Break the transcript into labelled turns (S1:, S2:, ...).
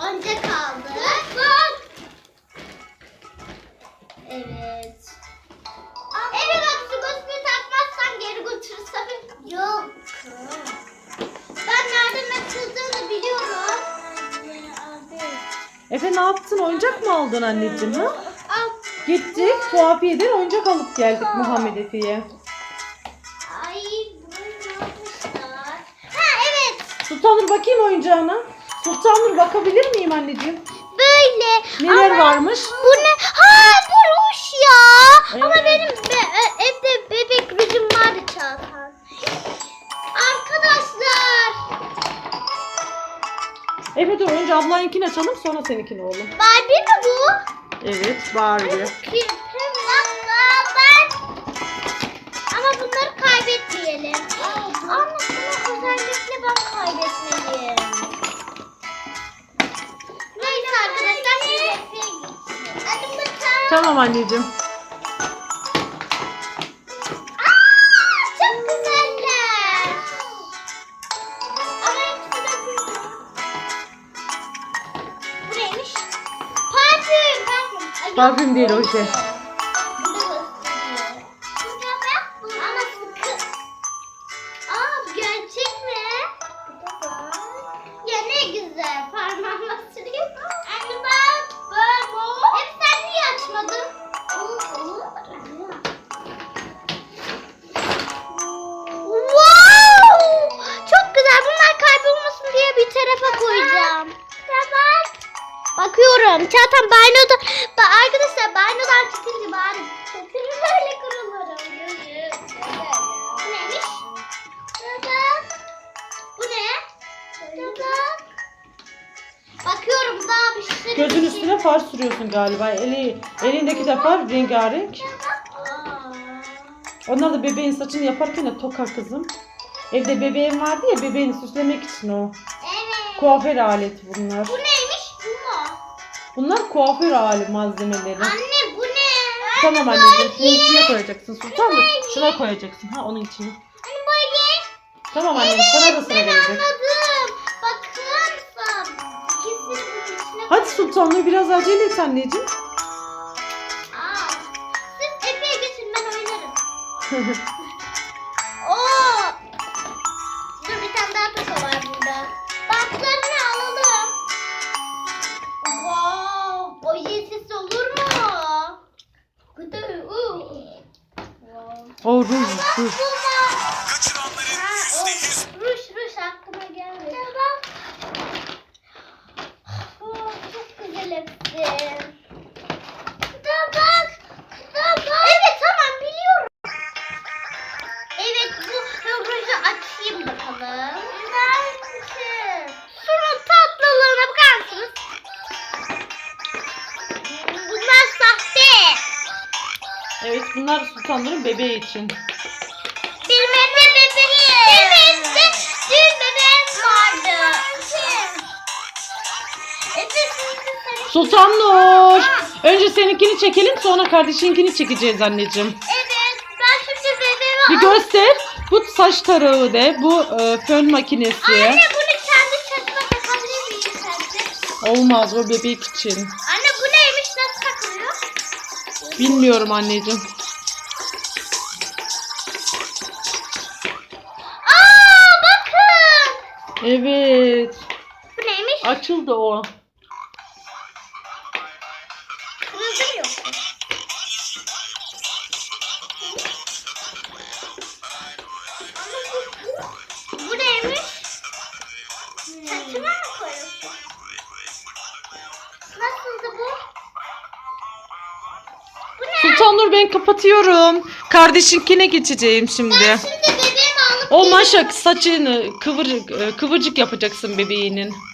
S1: oyuncak aldık. Bak. Evet. Evet bak su gözlüğü takmazsan geri götürürsem. Yok. Ben nereden açıldığını biliyorum.
S2: Efe ne yaptın? Oyuncak mı aldın anneciğim? Ha?
S1: Al.
S2: Gittik tuhafiyeden oyuncak alıp geldik Muhammed Efe'ye.
S1: Ay bunu yapmışlar. Ha evet.
S2: Sultanur bakayım oyuncağına. Sultanur bakabilir miyim anneciğim?
S1: Böyle.
S2: Neler
S1: Ama
S2: varmış?
S1: bu ne? Ha bu ruj ya.
S2: Evet.
S1: Ama benim evde bebek rujum vardı Çağatan. Arkadaşlar.
S2: Efe dur önce ablayınkini açalım sonra seninkini oğlum.
S1: Barbie mi bu?
S2: Evet Barbie.
S1: Ama bunları kaybetmeyelim. Anne özellikle ben kaybetmeliyim. Neyse arkadaşlar. Hadi bakalım.
S2: Tamam anneciğim.
S1: Çok güzeller. Ama hepsi de güzel. Bu neymiş? Parfüm. Ay, yok,
S2: Parfüm değil o şey.
S1: Bu da gösteriyor. Ama sıkı. Aa bu gerçek mi? Ya ne güzel. Parmağıma süreyim. Anne bak. Bak o. Hep sen niye açmadın? Wow! Çok güzel. Bunlar kaybolmasın diye bir tarafa koyacağım. Tamam. Bakıyorum. Çağatan banyoda. Arkadaşlar banyodan çıkınca bari sesimi böyle kırılırım. Bu neymiş? Bak. Bu ne? Bak. Bakıyorum daha bir şey.
S2: Gözün üstüne far sürüyorsun galiba. Elindeki de far rengarenk. Onlar da bebeğin saçını yaparken de toka kızım. Evde bebeğim vardı ya bebeğini süslemek için o.
S1: Evet.
S2: Kuaför aleti bunlar.
S1: Bu neymiş? Bu mu?
S2: Bunlar kuaför aleti malzemeleri.
S1: Anne bu ne?
S2: Tamam anneciğim. Şunun içine koyacaksın Sultan mı? Şuna koyacaksın. Ha onun içine.
S1: Anne böyle.
S2: Tamam anneciğim sana da sıra
S1: Ben
S2: gelecek.
S1: anladım. Bakın. İkisini bunun içine
S2: Hadi Sultanlığı biraz acele et anneciğim.
S1: Aa, siz Efe'ye geçin ben oynarım. Oo. Dur bir tane daha toka var burada. Bantlarını alalım. Wow. Oje sesi olur mu?
S2: O ruj ruj.
S1: Ruş aklıma gelmedi. Oh, çok güzel hepsi. Evet tamam biliyorum. Evet bu ruju açayım bakalım. Şunun tatlılığına bakar mısınız? Bunlar sahte.
S2: Evet bunlar Sultanların bebeği için.
S1: Benim evde bebeğim. Evet de dün bebeğim vardı.
S2: Sultanur. Önce seninkini çekelim sonra kardeşinkini çekeceğiz anneciğim.
S1: Evet ben şimdi bebeğimi
S2: Bir göster. Bu saç tarağı de. Bu fön makinesi.
S1: Anne bunu kendi saçıma takabilir miyim sence?
S2: Olmaz o bebek için.
S1: Anne bu neymiş nasıl takılıyor?
S2: Bilmiyorum anneciğim.
S1: Aa bakın.
S2: Evet.
S1: Bu neymiş?
S2: Açıldı o.
S1: Kırıldı mı yoksa? Bu neymiş? Saçıma mı koyuyorsun? Nasıldı bu? Bu ne?
S2: Sultanur ben kapatıyorum. Kardeşinkine geçeceğim şimdi.
S1: Şimdi bebeğimi alıp
S2: O maşak saçını kıvırcık yapacaksın bebeğinin.